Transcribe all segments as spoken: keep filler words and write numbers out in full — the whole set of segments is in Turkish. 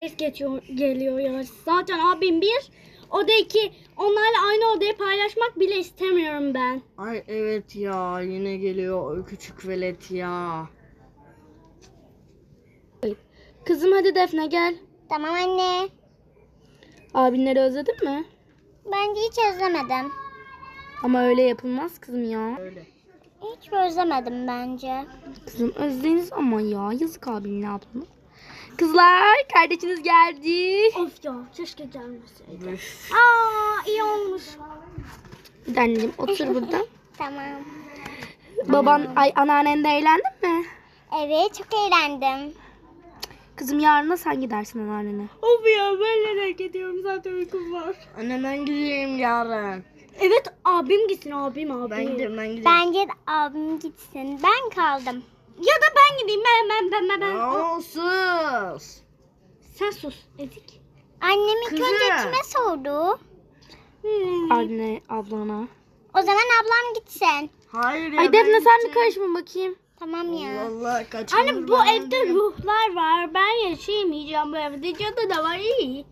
Ses geçiyor, geliyor ya. Zaten abim bir, o da iki. Onlarla aynı odayı paylaşmak bile istemiyorum ben. Ay evet ya, yine geliyor o küçük velet ya. Kızım hadi Defne gel. Tamam anne. Abinleri özledin mi? Bence hiç özlemedim. Ama öyle yapılmaz kızım ya. Öyle. Hiç özlemedim bence. Kızım özlediniz ama ya. Yazık abinin ablamı. Kızlar kardeşiniz geldi. Of ya keşke gelmeseydi. Üf. Aa iyi olmuş. Bir de anneciğim otur burada. Tamam. Baban ay anneannen de eğlendin mi? Evet çok eğlendim. Kızım yarın da sen gidersin anneannene. Of ya ben nereye gidiyorum zaten uykum var. Anne ben gideyim yarın. Evet abim gitsin abim abim. Ben gidiyorum ben gidiyorum. Bence de abim gitsin. Ben kaldım. Ya da ben gideyim ben ben ben ben. ben. Aa, sus. Sen sus Ezik. Annem ilk Kızım. önce kime sordu? Anne ablana. O zaman ablam gitsin. Hayır ya. Ay Defne ben sen bir gideceğim. karışma bakayım. Tamam ya. Vallahi kaç Anne gündür bu ben evde gidiyorum. ruhlar var. Ben yaşayamayacağım bu evde. Cadı da var iyi.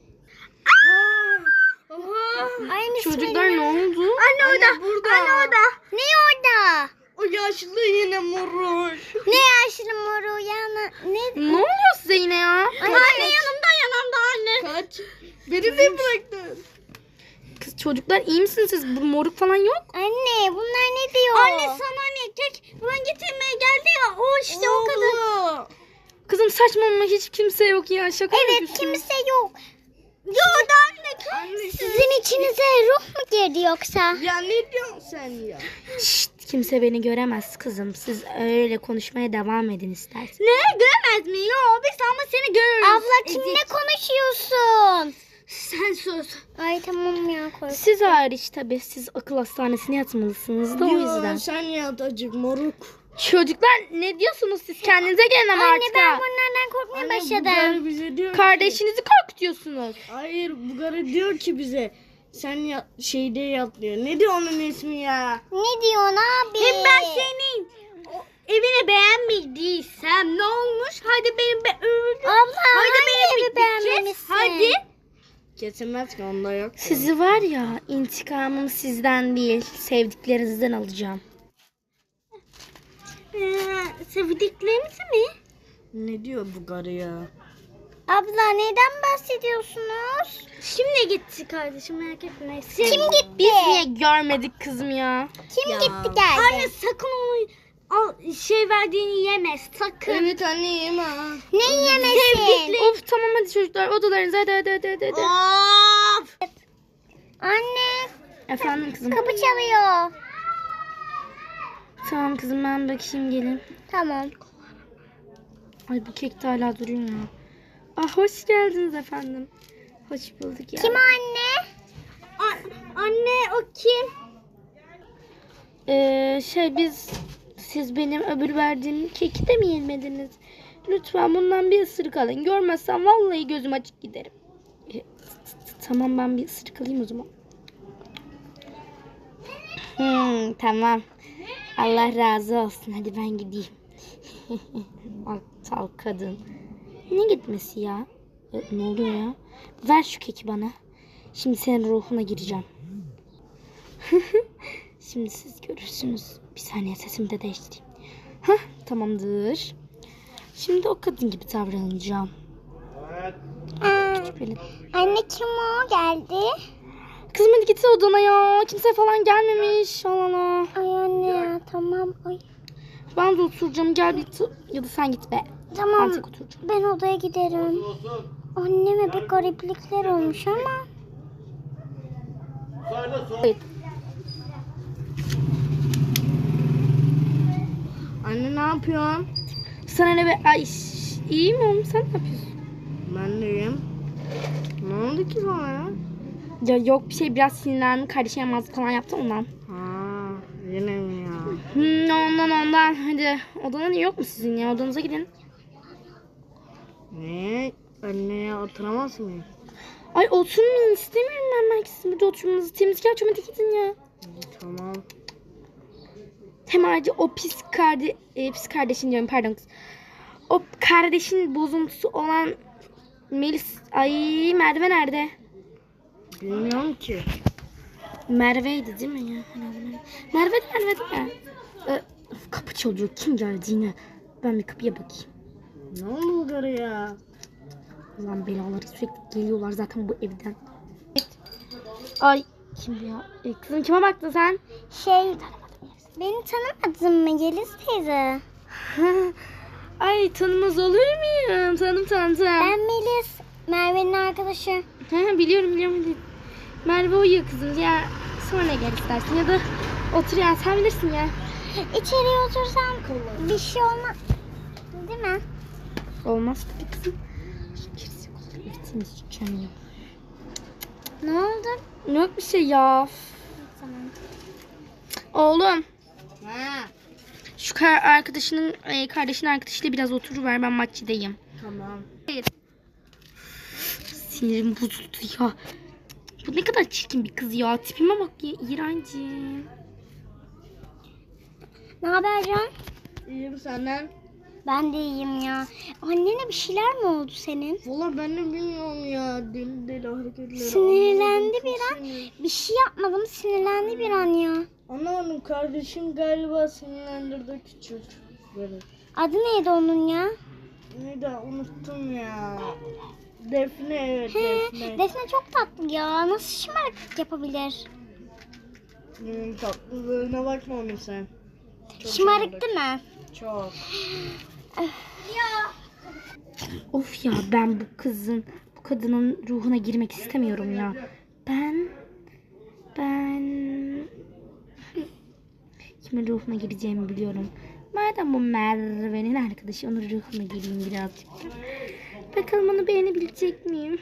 Aynı Çocuklar ne oldu? Anne orada. Burada. Anne orada. Ne orada? O yaşlı yine moruş. Ne yaşlı moru yana? Ne? Ne oluyor size yine ya? Anne, Anne yanımda yanımda anne. Kaç. Beni de bıraktın. Kız çocuklar iyi misiniz siz? Bu moruk falan yok. Anne bunlar ne diyor? Anne sana ne kek falan getirmeye geldi ya. O işte o kadar. Oğlum. Kızım saçmalama hiç kimse yok ya. Şaka Evet yapıyorsun. kimse yok. Yok anne. Anne Sizin içinize ruh mu girdi yoksa? ya ne diyorsun sen ya? Şşt, kimse beni göremez kızım. Siz öyle konuşmaya devam edin isterseniz. Ne göremez mi? Yok biz ama seni görürüz. Abla kimle konuşuyorsun? Sen sus. Ay tamam ya korktum. Siz hariç tabii siz akıl hastanesine yatmalısınız da o yüzden. Yo, sen yat acık moruk. Çocuklar ne diyorsunuz siz? Kendinize gelin ama Anne artık. ben ha. bunlardan korkmaya Anne bu başladım. garı bize diyor ki. Kardeşinizi korkutuyorsunuz. Hayır bu garı diyor ki bize. Sen ya, şeyde yat diyor. Ne diyor onun ismi ya? Ne diyorsun abi? Hem ben senin o evini beğenmediysem ne olmuş? Hadi benim be öldüm. Abla Hadi hangi benim evi biteceğiz. beğenmemişsin? Hadi. Kesilmez ki onda yok. Sizi var ya intikamımı sizden değil sevdiklerinizden alacağım. Ee, sevdiklerinizi mi? Ne diyor bu garı ya? Abla neden bahsediyorsunuz? Şimdi gitti kardeşim merak etme. Siz- Kim gitti? Biz niye görmedik kızım ya? Kim Ya. gitti geldi? Anne sakın onu al, şey verdiğini yeme sakın. Evet anne yeme ha. Ne yemesin? Of tamam hadi çocuklar odalarınıza hadi hadi hadi hadi. hadi. Of. Anne Efendim kızım. kapı çalıyor. Tamam kızım ben bakayım gelin. Tamam. Ay bu kek de hala duruyor ya. Ah hoş geldiniz efendim. Hoş bulduk ya. Kim anne? Anne o kim? Ee, şey biz siz benim öbür verdiğim keki de mi yemediniz? Lütfen bundan bir ısırık alın. Görmezsem vallahi gözüm açık giderim. Ee, tamam ben bir ısırık alayım o zaman. Hmm, tamam. Allah razı olsun. Hadi ben gideyim. Aptal kadın. Ne gitmesi ya? E, ne oluyor ya? Ver şu keki bana. Şimdi senin ruhuna gireceğim. Şimdi siz görürsünüz. Bir saniye sesimi de değiştireyim. Hah tamamdır. Şimdi o kadın gibi davranacağım. Aa, Böyle. anne kim o geldi? Kızım hadi git odana ya. Kimse falan gelmemiş. Allah Allah. Ay anne ya tamam. Ay. Ben de oturacağım. Gel bir t- ya da sen git be. Tamam. Ben tek oturacağım. Ben odaya giderim. Anneme bir gariplikler olmuş ama. Evet. Anne ne yapıyorsun? Sana ne be? Ay şş, iyi mi oğlum? Sen ne yapıyorsun? Ben deyim. Ne oldu ki sana ya? Ya yok bir şey biraz sinirlendim. Kardeşim yamazlık falan yaptı ondan. Ha, yine mi ya? Hmm, ondan ondan. Hadi odanın yok mu sizin ya? Odanıza gidin. Ne? Anneye oturamaz mıyım? Ay oturmayın istemiyorum ben belki sizin burada oturmanızı. Temizlik yapacağım hadi gidin ya. Tamam. Hem ayrıca o pis kardeş, e, pis kardeşin diyorum pardon kız. O kardeşin bozuntusu olan Melis, ay Merve nerede? Bilmiyorum ki. Merve'ydi değil mi ya? Merve de Merve değil mi? Ee, kapı çalıyor. Kim geldi yine? Ben bir kapıya bakayım. Ne oldu oraya? Ulan belaları sürekli geliyorlar zaten bu evden. Ay kim bu ya? E, kızım kime baktın sen? Şey, beni tanımadın mı Yeliz teyze? Ay tanımaz olur muyum? Tanım tanıdım. Ben Melis, Merve'nin arkadaşı. Ha, biliyorum biliyorum. Hadi. Merve uyuyor kızım ya. Sonra gel istersin ya da otur ya sen bilirsin ya. İçeriye otursam bir şey olmaz. Değil mi? Olmaz tabii kızım. Bittiniz canım. Ne oldu? Yok bir şey ya. Tamam. Oğlum Ha. şu kar arkadaşının e, kardeşinin arkadaşıyla biraz oturuver ben maççıdayım. Tamam. Hayır. Sinirim bozuldu ya. Bu ne kadar çirkin bir kız ya. Tipime bak ya. İğrencim. Ne haber Can? İyiyim senden. Ben de iyiyim ya. Annene bir şeyler mi oldu senin? Valla ben de bilmiyorum ya. Deli deli hareketleri. Sinirlendi Anlamadım, bir çok an. sinir- Bir şey yapmadım, sinirlendi bir an ya. Anlamadım, kardeşim galiba sinirlendirdi küçük. Böyle. Adı neydi onun ya? Neydi unuttum ya. Defne, evet He, Defne. Defne çok tatlı ya. Nasıl şımarıklık yapabilir? Hmm, tatlılığına bakma onun sen. Çok Şımarık değil mi? Çok. Of ya ben bu kızın, bu kadının ruhuna girmek istemiyorum ya. Ben, ben kimin ruhuna gireceğimi biliyorum. Madem bu Merve'nin arkadaşı, onun ruhuna gireyim birazcık. Bakalım onu beğenebilecek miyim?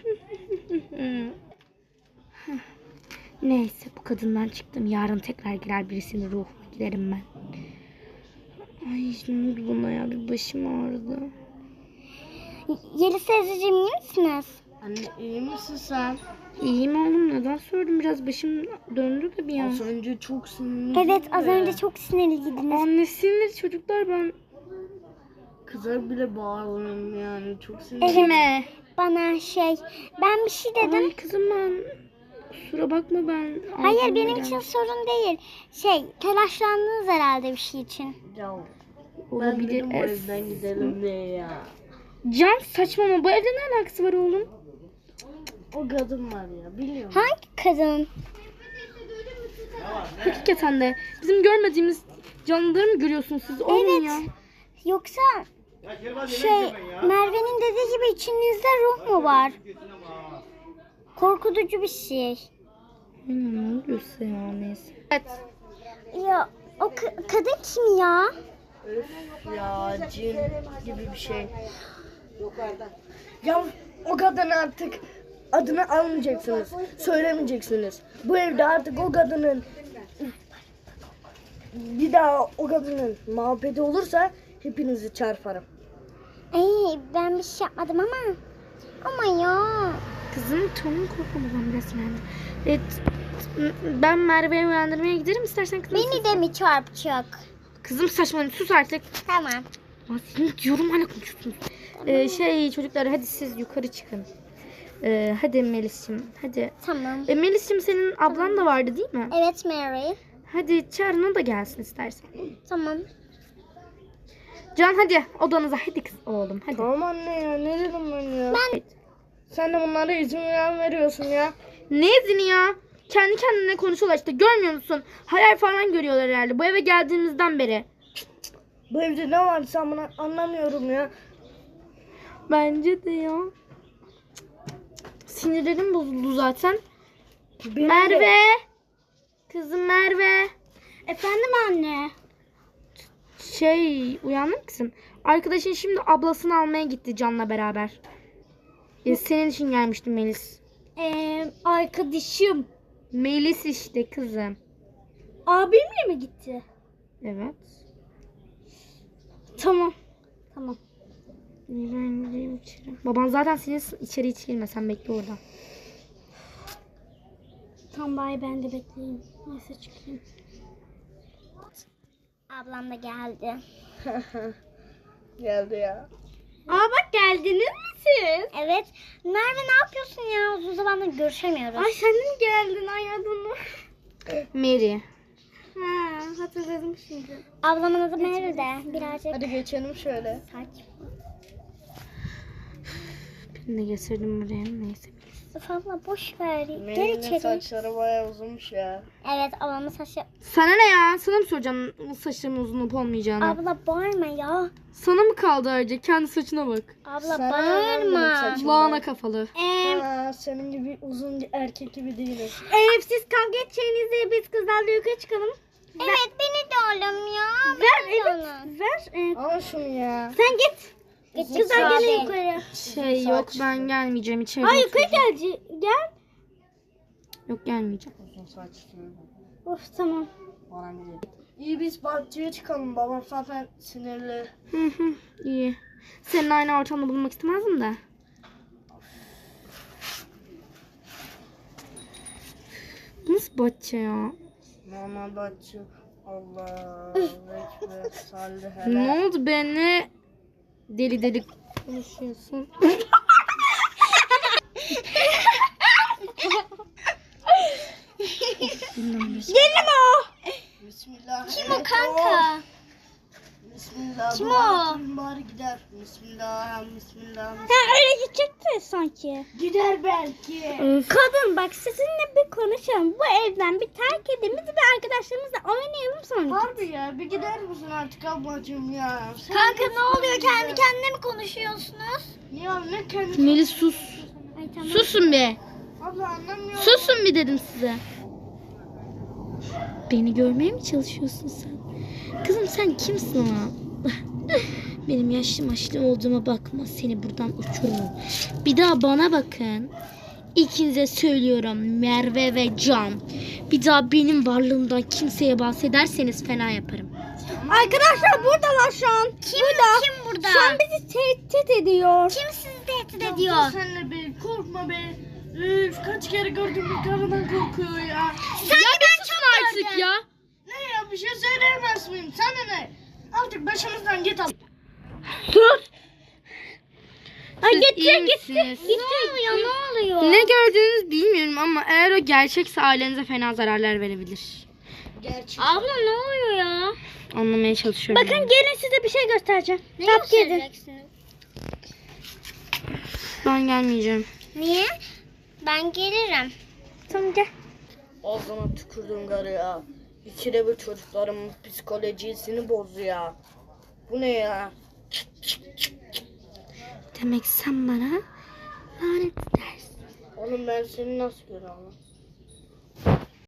Neyse bu kadından çıktım. Yarın tekrar girer birisinin ruhuna giderim ben. Ay ne oldu buna ya? Bir başım ağrıdı. Yeliz teyzeciğim iyi misiniz? Anne iyi misin sen? İyiyim oğlum neden sordum biraz başım döndü de bir an. Az önce çok sinirli. Evet az önce çok sinirliydiniz. Annesindir çocuklar ben. Kıza bile bağırıyorum yani. Çok sinirli. Evet. Kime? Bana şey ben bir şey dedim. Ay kızım ben. Kusura bakma ben. Hayır ağzıma benim gelmiş. için sorun değil. Şey telaşlandınız herhalde bir şey için. Ya, ben Olabilir. dedim bu Es- evden gidelim diye ya. Can saçmalama bu evde ne alakası var oğlum? O kadın var ya, biliyorum. Hangi kadın? Hakikaten de bizim görmediğimiz canlıları mı görüyorsunuz siz? Oğlum Evet. ya. Yoksa şey Merve'nin dediği gibi içinizde ruh mu var? Korkutucu bir şey. Hmm, ne oluyorsa ya neyse. Evet. Ya o ka- kadın kim ya? Öf ya, cin gibi bir şey. Ya o kadın artık adını almayacaksınız. Söylemeyeceksiniz. Bu evde artık o kadının bir daha o kadının muhabbeti olursa hepinizi çarparım. Ay ben bir şey yapmadım ama. Ama ya. Kızım tamam korkmadan biraz yani. Evet. Ben Merve'yi uyandırmaya giderim istersen kızım. Beni de mi çarpacak? Kızım saçmalama sus artık. Tamam. Ya seni diyorum hala konuşuyorsunuz. Ee, şey çocuklar hadi siz yukarı çıkın. Ee, hadi Melis'cim hadi. Tamam. E, Melis'cim senin ablan da vardı değil mi? Evet Mary. Hadi çağırın o da gelsin istersen. Tamam. Can hadi odanıza hadi kız oğlum hadi. Tamam anne ya, ne dedim ben ya? Ben Sen de bunlara izin veren veriyorsun ya. Ne izini ya? Kendi kendine konuşuyorlar işte görmüyor musun? Hayal falan görüyorlar herhalde bu eve geldiğimizden beri. Bu evde ne var sen bunu anlamıyorum ya. Bence de ya. Sinirlerim bozuldu zaten. Benim Merve. de- Kızım Merve. efendim anne. Şey uyandın mı kızım? Arkadaşın şimdi ablasını almaya gitti Can'la beraber. Ya, senin için gelmiştim Melis. Ee, arkadaşım Melis işte kızım. abimle mi gitti? Evet. Tamam. Tamam. İyi, ben gideyim içeri. Baban zaten seni içeri hiç girme sen bekle orada. Tamam bari ben de bekleyeyim. Neyse çıkayım. Ablam da geldi. Geldi ya. Aa bak geldiniz mi siz? Evet. Merve ne yapıyorsun ya? Uzun zamandır görüşemiyoruz. Ay sen de mi geldin? Ay adını. Mary. Ha, hatırladım şimdi. Ablamın adı Merve de. Birazcık Hadi geçelim şöyle. saç. Ben de getirdim buraya. Neyse. Abla boş ver. Gel Melih'in içeri. saçları bayağı uzunmuş ya. Evet ablamın saçı. Sana ne ya? Sana mı soracağım saçlarımın uzun olup olmayacağını? Abla bağırma ya. Sana mı kaldı ayrıca? Kendi saçına bak. Abla Sana ne bağırma. benim saçım? Lağına kafalı. Ee, Ha, senin gibi uzun erkek gibi değilim. Eğer siz kavga edeceğinizde biz kızlarla yukarı çıkalım. Evet beni de alım ya. Ver evet. Ver. Al şunu ya. Sen git. Kızlar saç. gelin yukarı. Şey yok ben gelmeyeceğim içeri. Ay yukarı gel. Gel. Yok gelmeyeceğim. Uzun saçlı. Of tamam. Bana gidelim. İyi biz bahçeye çıkalım. Babam zaten sinirli. Hı hı iyi. Senin aynı ortamda bulunmak istemezdim de. Nasıl bahçe ya? Normal bahçe. Allah ekber salli hele. Ne oldu be ne deli deli konuşuyorsun? Gelin o. Bismillah. Kim o kanka? Bismillah. Kim dua o? okuyun bari gider. Bismillah. Bismillah. Ha öyle gidecekti sanki. Gider belki. Kadın bak sizinle bir konuşalım. Bu evden bir terk edelim. Biz bir arkadaşlarımızla oynayalım sonra. Harbi ya bir gider misin artık ablacığım ya? Sen Kanka de ne oluyor? sıkıldın Kendi ya. kendine mi konuşuyorsunuz? Ya ne kendi... Melis sus. Ay tamam. Susun be. Abla anlamıyorum. Susun bir dedim size. Beni görmeye mi çalışıyorsun sen? Kızım sen kimsin ama? Benim yaşlı maşlı olduğuma bakma. Seni buradan uçururum. Bir daha bana bakın. İkinize söylüyorum Merve ve Can. Bir daha benim varlığımdan kimseye bahsederseniz fena yaparım. Arkadaşlar buradalar şu an. Kim burada? Kim burada? Şu an bizi tehdit ediyor. Kim sizi tehdit ediyor? Senle be korkma be. Üf, kaç kere gördüm bir karıdan korkuyor ya. Sen ya ben çok Artık ya. Ne ya bir şey söyleyemez miyim? Sana ne? Artık başımızdan git al. Sus. Ay Siz gitti iyi gitti. misiniz? Gitti. Ne oluyor? Ne oluyor? Ne gördüğünüzü bilmiyorum ama eğer o gerçekse ailenize fena zararlar verebilir. Gerçek. Abla ne oluyor ya? Anlamaya çalışıyorum. Bakın gelin size bir şey göstereceğim. Ne göstereceksiniz? Ben gelmeyeceğim. Niye? Ben gelirim. Tamam gel. Ağzına tükürdüm karı ya. İkide bir çocuklarımın psikolojisini bozuyor ya. Bu ne ya? Demek sen bana lanet dersin. Oğlum ben seni nasıl görüyorum?